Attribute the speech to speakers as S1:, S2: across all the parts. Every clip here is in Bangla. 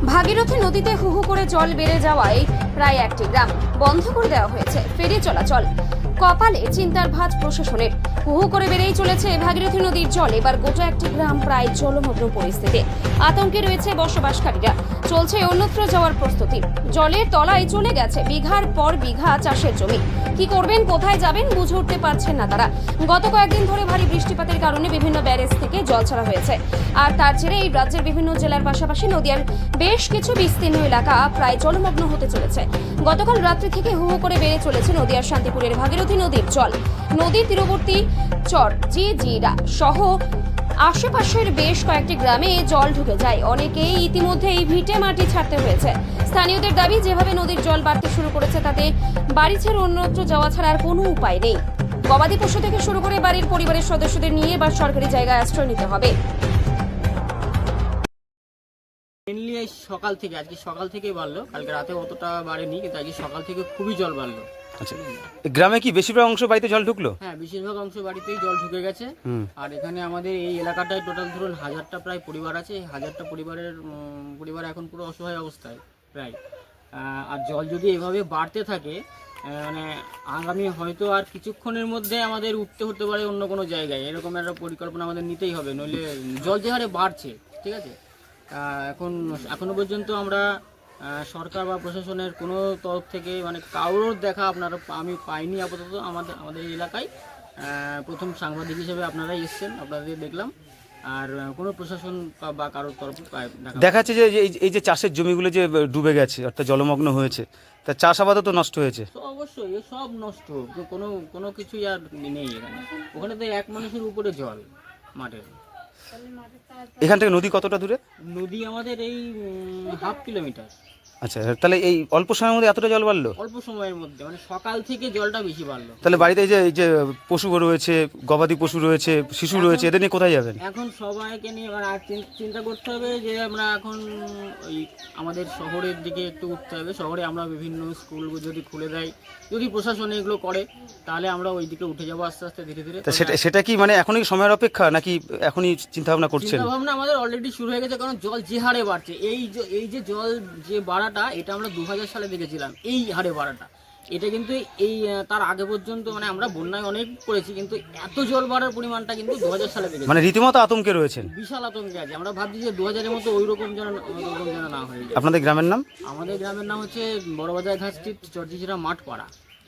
S1: ভাগীরথী নদীতে হু হু করে জল বেড়ে যাওয়ায় প্রায় একটি গ্রাম বন্ধ করে দেওয়া হয়েছে ফেরি চলাচল। কপালে চিন্তার ভাঁজ প্রশাসনের। হু হু করে বেড়েই চলেছে ভাগীরথী নদীর জল। এবার গোটা একটি গ্রাম প্রায় জলমগ্ন পরিস্থিতি। আতঙ্কে রয়েছে বসবাসকারীরা। চলছে অন্যত্র যাওয়ার প্রস্তুতি। জলের তলায় চলে গেছে বিঘার পর বিঘা চাষের জমি। কি করবেন, কোথায় যাবেন বুঝে উঠতে পারছেন না তারা। গত কয়েকদিন ধরে ভারী বৃষ্টিপাতের কারণে বিভিন্ন ব্যারেজ থেকে জল ছাড়া হয়েছে। আর তার জেরে এই রাজ্যের বিভিন্ন জেলার পাশাপাশি নদীর বেশ কিছু বিস্তীর্ণ এলাকা প্রায় জলমগ্ন হতে চলেছে। গতকাল রাত্রি থেকে হু হু করে বেড়ে চলেছে নদীয়ার শান্তিপুরের ভাগীরথী নদীর জল। নদীর তীরবর্তী চর জিরা সহ আশেপাশের বেশ কয়েকটি গ্রামে জল ঢুকে যায়। অনেকেই ইতিমধ্যে এই ভিটে মাটি ছাড়তে হয়েছে। স্থানীয়দের দাবি, যেভাবে নদীর জল বাড়তে শুরু করেছে তাতে বাড়ি ছেড়ে অন্যত্র যাওয়া ছাড়া আর কোনো উপায় নেই। গবাদি পশু থেকে শুরু করে বাড়ির পরিবারের সদস্যদের নিয়ে এবার সরকারি জায়গায় আশ্রয় নিতে হবে।
S2: মেনলি এই সকাল থেকে, আজকে সকাল থেকেই বাড়লো, কালকে রাতে অতটা বাড়েনি, কিন্তু আজকে সকাল থেকে খুবই জল বাড়লো।
S3: আচ্ছা, গ্রামে কি বেশিরভাগ অংশ বাড়িতে জল ঢুকলো?
S2: হ্যাঁ, বেশিরভাগ অংশ বাড়িতেই জল ঢুকে গেছে। আর এখানে আমাদের এই এলাকাটায় টোটাল ধরুন 1000টা প্রায় পরিবার আছে। 1000টা পরিবার এখন পুরো অসহায় অবস্থায় প্রায়। আর জল যদি এভাবে বাড়তে থাকে, মানে আগামী হয়তো আর কিছুক্ষণের মধ্যে আমাদের উঠতে হতে পারে অন্য কোনো জায়গায়। এরকম একটা পরিকল্পনা আমাদের নিতেই হবে, নইলে জল যে হারে বাড়ছে, ঠিক আছে। এখনো পর্যন্ত আমরা সরকার বা প্রশাসনের কোনো তরফ থেকে মানে কারোর দেখা আমি পাইনি আপাতত। আমাদের এলাকায় প্রথম সাংবাদিক হিসেবে আপনারাই এসছেন, আপনাদের দেখলাম। আর কোনো প্রশাসন বা কারোর তরফে
S3: দেখা যাচ্ছে যে এই যে চাষের জমিগুলো যে ডুবে গেছে, অর্থাৎ জলমগ্ন হয়েছে, তা চাষাবাদও তো নষ্ট হয়েছে।
S2: অবশ্যই সব নষ্ট, কোনো কিছুই আর নেই এখানে। ওখানে তো এক মানুষের উপরে জল মাঠের।
S3: এখান থেকে নদী কতটা দূরে?
S2: নদী আমাদের এই হাফ কিলোমিটার।
S3: আচ্ছা, তাহলে এই অল্প সময়ের মধ্যে এতটা জল বাড়লো?
S2: অল্প সময়ের মধ্যে, মানে সকাল থেকে জলটা বেশি বাড়লো।
S3: তাহলে বাড়িতে এই যে পশু রয়েছে, গবাদি পশু রয়েছে, শিশু রয়েছে, এদের নিয়ে কোথায় যাবেন?
S2: এখন সবাইকে নিয়ে এবার আর চিন্তা করতে হবে যে আমরা এখন ওই আমাদের শহরের দিকে একটু উঠতে হবে। শহরে আমরা বিভিন্ন স্কুল যদি খুলে দেয়, যদি প্রশাসন এগুলো করে, তাহলে আমরা ওই দিকে উঠে যাবো আস্তে আস্তে ধীরে ধীরে।
S3: সেটা কি মানে এখনই সময়ের অপেক্ষা, নাকি এখনই চিন্তা ভাবনা করছেন?
S2: চিন্তা ভাবনা আমাদের অলরেডি শুরু হয়ে গেছে, কারণ জল যে হারে বাড়ছে, এই যে জল যে বাড়াটা, এটা আমরা 2000 সালে দেখেছিলাম এই হারে বাড়াটা। এটা কিন্তু এই তার আগে পর্যন্ত মানে আমরা বন্যায় অনেক পড়েছি, কিন্তু এত জল বাড়ার পরিমাণটা কিন্তু 2000 সালে দেখেছি।
S3: মানে রীতিমতো আতঙ্কে রয়েছেন?
S2: বিশাল আতঙ্কে আছে। আমরা ভাবছি যে 2000-এর মতো ওই রকম যেন না হয়ে যায়।
S3: আপনাদের গ্রামের নাম?
S2: আমাদের গ্রামের নাম হচ্ছে বড়বাজার ঘাট স্ট্রিট, চরজিরা মাঠপাড়া।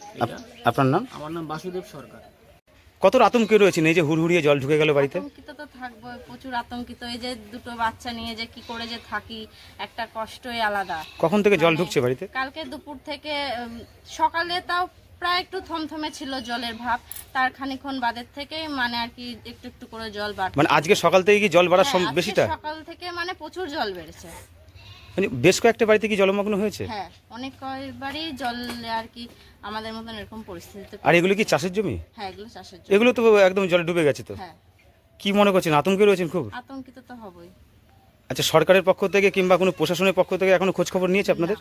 S3: আপনার নাম?
S2: আমার নাম বাসুদেব সরকার।
S3: কত আতঙ্কে রয়েছেন এই যে হুড়হুড়িয়ে জল ঢুকে গেল বাড়িতে?
S4: আতঙ্কিত তো থাকবো, প্রচুর আতঙ্কিত। এই যে দুটো বাচ্চা নিয়ে যে কি করে যে থাকি, একটা কষ্টই আলাদা।
S3: কখন থেকে জল ঢুকছে বাড়িতে?
S4: কালকে দুপুর থেকে সকালে তাও প্রায় একটু থমথমে ছিল জলের ভাব, তার খানিকক্ষণ বাদের থেকে মানে আর কি একটু একটু করে জল বাড়ছে।
S3: মানে আজকে সকাল থেকে কি জল বাড়ার বেশিটা?
S4: সকাল থেকে মানে প্রচুর জল বেড়েছে।
S3: মানে বেশ কয়েকটা বাড়িতে কি জলমগ্ন হয়েছে?
S4: হ্যাঁ, অনেক কয়েকবারই জল আর কি আমাদের মতন এরকম পরিস্থিতিতে।
S3: আর এগুলো কি চাষের জমি?
S4: হ্যাঁ, এগুলো চাষের জমি।
S3: এগুলো তো একদম জলে ডুবে গেছে তো।
S4: হ্যাঁ।
S3: কি মনে করছেন, আতঙ্কে রয়েছেন খুব?
S4: আতঙ্কিত তো হবই।
S3: আচ্ছা, সরকারের পক্ষ থেকে কিংবা কোনো প্রশাসনের পক্ষ থেকে এখনো খোঁজ খবর নিয়েছে আপনাদের?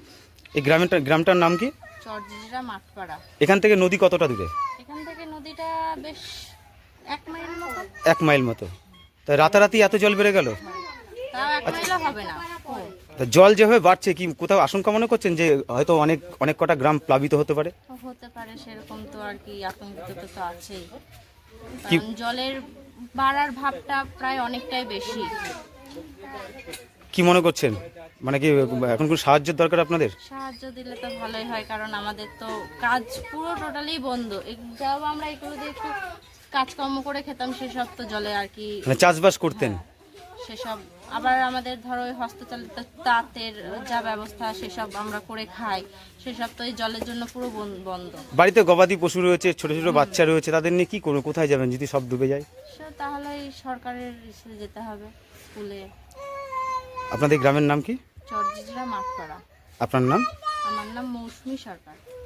S3: এই গ্রামটার নাম কি?
S4: চরজিরা মাঠপাড়া।
S3: এখান থেকে নদী কতটা দূরে?
S4: এখান থেকে নদীটা বেশ 1 মাইল মতো।
S3: 1 মাইল মতো। তা রাতারাতি এত জল বেড়ে গেল?
S4: তাও 1 মাইলও হবে না।
S3: তা জল যেভাবে বাড়ছে, কি কোথাও আশঙ্কা মনে করছেন যে হয়তো অনেক কটা গ্রাম প্লাবিত হতে পারে?
S4: হতে পারে, সেরকম তো আর কি আতঙ্কিত তো আছেই। কারণ জলের বাড়ার ভাবটা প্রায় অনেকটাই বেশি।
S3: কি মনে করছেন, মানে কি এখন কোন সাহায্যের দরকার আপনাদের?
S4: সাহায্য দিলে তো ভালোই হয়, কারণ আমাদের তো কাজ পুরো টোটালি বন্ধ। যাও আমরা এগুলো দিয়ে একটু কাজকর্ম করে খেতাম, সেসব তো জলে আর কি
S3: মানে চাষবাস করতেন।
S4: সেসব আবার আমাদের ধরো হস্তচালিত তাঁতের যা ব্যবস্থা সেসব আমরা করে খাই, সেসব তো এই জলের জন্য পুরো বন্ধ।
S3: বাড়িতে গবাদি পশু রয়েছে, ছোট ছোট বাচ্চা রয়েছে, তাদের নিয়ে কি করবো, কোথায় যাবেন যদি সব ডুবে যায়?
S4: তাহলে সরকারের যেতে হবে, স্কুলে।
S3: আপনাদের গ্রামের নাম কি?
S4: চরজিরা মাঠপাড়া।
S3: আপনার নাম?
S4: আমার নাম মৌসুমী সরকার।